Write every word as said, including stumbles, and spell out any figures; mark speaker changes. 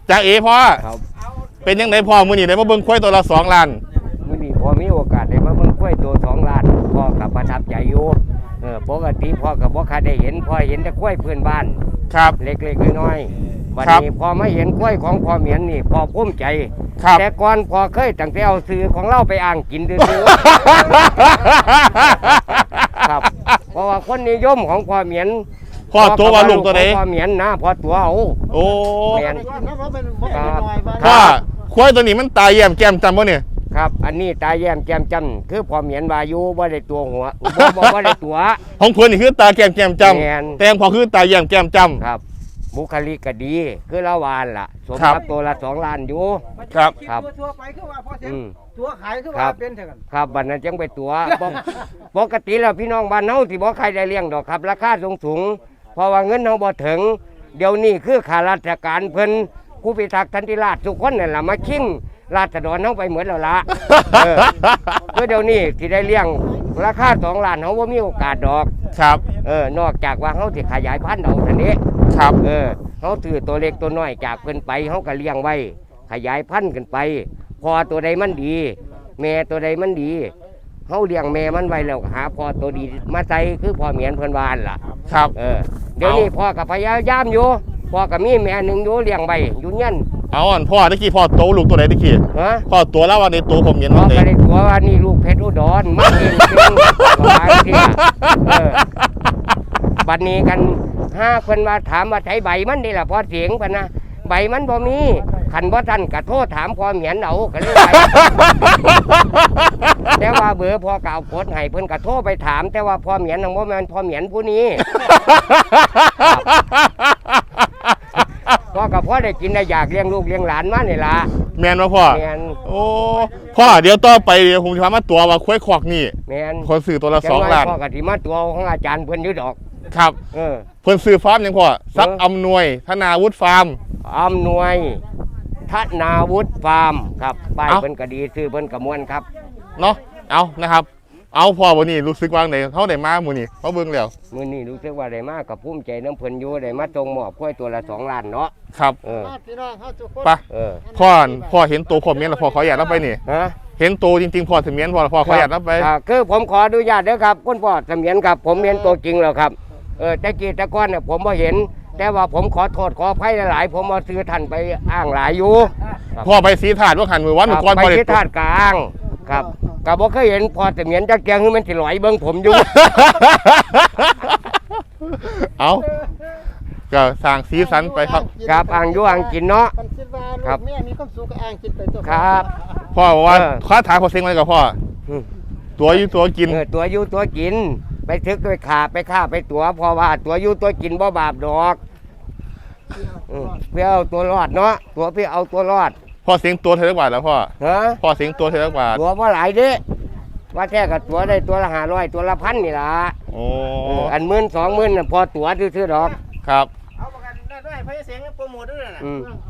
Speaker 1: จ่าเอพ่อเป็นยังไงพ่อมือนี่ได้มาเบิ่งควายตัวละสองล้าน
Speaker 2: มือนี่พอมีโอกาสได้มาเบิ่งควายตัวสองล้านพ่อกับประทับใจอยู่เออปกติพ่อกับพ่อเคยได้เห็นพ่อเห็นแต่ควายพื้นบ้าน
Speaker 1: ครับ
Speaker 2: เล็กๆน้อยๆวันนี้พอมาเห็นควายของพ่อเหมียนนี่พ่อภูมิใจแต่ก่อนพ่อเคยตั้งแต่เอาซื้อของเราไปอ่างกินดื้อครับเพราะว่าคนนิยมของพ่อเหมียน
Speaker 1: พ่อตัวว่าลูกตัวไหน
Speaker 2: พ่อเหมียนนะพ่อตัวเอา
Speaker 1: โอ้
Speaker 2: เหมียน
Speaker 1: พ่อควายตัวนี้มันตายแย้มแก้มจำบ่เนี่ย
Speaker 2: ครับอันนี้ตาแย้มแก้มจำคือพ่อเหมียนวายุบ่ได้ตัวหัวบ่บ่ได้ตัว
Speaker 1: ของคนนี่คือตาแก้มแก้มจำแต่พอคือตาแย้มแก้มจำ
Speaker 2: ครับบุคลิกก็ดีคือละวานล่ะสมกับตัวละสองล้านอยู่
Speaker 1: ครับ
Speaker 2: ครับ
Speaker 3: ตัวไปคือว่าพอเสร็จตัวขายคือว่าเป็นเท่ากัน
Speaker 2: ครับบัดนั้นจังไปตัวปกติแล้วพี่น้องบ้านเฮาสิบ่ใครได้เลี้ยงดอกครับราคาสูงสูงเพราะว่าเงินเฮาบ่ถึงเดี๋ยวนี้คือข้าราชการเพิ่นผู้พิทักษ์สันติราษฎร์ทุกคนนั่นล่ะมาชิงราษฎรเฮาไปเหมือนแล้วล่ะเออคือเดี๋ยวนี้สิได้เลี้ยงราคาสองล้านเฮาบ่มีโอกาสดอก
Speaker 1: ครับ
Speaker 2: เออนอกจากว่าเฮาสิขยายพันธุ์เอาซั่นนี้
Speaker 1: ครับ
Speaker 2: เออเขาถือตัวเล็กตัวน้อยจากเพิ่นไปเขาก็เลี้ยงไว้ขยายพันธุ์กันไปพอตัวใดมันดีแม่ตัวใดมันดีเขาเลี้ยงแม่มันไว้แล้วหาพอตัวดีมาใส่คือพ่อเหมียนเพิ่นวานล่ะ
Speaker 1: ครับ
Speaker 2: เออเดี๋ยวนี้พ่อกับพยายามอยู่พ่อกับมีแม่หนึ่งอยู่เลี้ยงไว้อยู่เงี้ย
Speaker 1: เอาอ่อนพ่อตะกี้พ่อโตลูกตัวไหนตะกี้
Speaker 2: ฮะ
Speaker 1: พ่อตัวแล้ววันนี้ตัวผมเหมียน
Speaker 2: พ่อก็ได้ตัวว่านี่ลูกเพชรอุดรมันเองเองหลายทีเออบัดนี้กันห้าคนมาถามว่าใช้ใบมันนี่แหละพอเสียงพันนะใบมันบ่มีขันบ่ทันกระโทษถามพอเหมียนเอาก็เลยไปแต่ว่าเบอร์พอเก่าโพสให้เพิ่นกระโทษไปถามแต่ว่าพอเหมียนของบ่แม่นพอเหมียนผู้นี้พ่อกับพ่อได้กินได้อยากเลี้ยงลูกเลี้ยงหลานมานี่ล่ะ
Speaker 1: แม่นบ่พ่อ
Speaker 2: แม่น
Speaker 1: โอ้พ่อเดี๋ยวต่อไปเดี๋ยวผมจะพามาตัวว่าควายขอกนี่
Speaker 2: แม่น
Speaker 1: คนซื้อตัวละสองล้าน
Speaker 2: พ่อก็สิมาตัวของอาจารย์เพิ่นอยู่ดอก
Speaker 1: ครับ
Speaker 2: เออ
Speaker 1: เพิ่นซื้อฟาร์มยังพ่อซับอำนวยธนาวุฒิฟาร์ม
Speaker 2: อำนวยธนาวุฒิฟาร์มครับป้ายเพิ่นก็ดีซื้อเพิ่นก็ม่วนครับ
Speaker 1: เนาะเอานะครับเอาพ่อวันนี้รู้สึกว่าไหนเขาได้มามื้อนี้เขาเบิ่งแล้ว
Speaker 2: มื้อนี้รู้สึกว่าได้มากับภูมิใจน้ำเพิ่นอยู่ได้มาตรงหมอบค่อยตัวละสองล้านเนาะ
Speaker 1: ครับ
Speaker 2: เออ
Speaker 3: พี่น้องเฮาทุกคน
Speaker 1: ไปเออพ่อพ่อเห็นตัวผมเมียนแล้วพ่อขออนุญาตรับไปนี่
Speaker 2: ฮะ
Speaker 1: เห็นตัวจริงๆพ่อเสมียนพ่อพ่อขออนุญาตรับไป
Speaker 2: คือผมขออนุญาตเด้อครับคุณพ่อเสมียนครับผมเห็นตัวจริงแล้วครับเออแต่กี้แต่ก่อนเนี่ยผมบ่เห็นแต่ว่าผมขอโทษขออภัยหลายๆผมมาซื้อท่านไปอ้างหลายอยู่
Speaker 1: พ่อไปสีถาดว่าหันมือวันมือก้อน
Speaker 2: ไปสีถาดกลางครับก็บ่เคยเห็นพอเสมียนจักแกงคือมันสิลอยเบิ่งผมอยู่
Speaker 1: เอาก็สร้างสีสันไปครับ
Speaker 2: ครับอ่างอยู่อ่างกินเนาะ
Speaker 3: ครับแม่มีความสุขก็อ่างกินไปตัว
Speaker 2: ครับ
Speaker 1: พ่อบอกว่าค้าถามพอเซ็งอะไรกับพ่อตัวอยู่ตัวกิน
Speaker 2: ตัวอยู่ตัวกินไปทึกไปขาไปฆ่าไปตัวเพราะว่าตัวอยู่ตัวกินบ่บาปดอกเพื่อเอาตัวรอดเนาะตัวเพื่อเอาตัวรอด
Speaker 1: พ่อเสียงตัวเท่าไหร่บาทแล้วพ่อ
Speaker 2: ฮะ
Speaker 1: พ่อเสียงตัวเท่าไหร่บาท
Speaker 2: ตัวว่าหลายเด้ว่าแท้กับตัวได้ตัวละห้าร้อยตัวละพันนี่ล่ะ
Speaker 1: โอ้
Speaker 2: อันหมื่นสองหมื่นพอตัวซื้อๆดอก
Speaker 1: ครับ
Speaker 3: เอาประกันได้ด้วยพยาเสียงโปรโมทด้วยนะ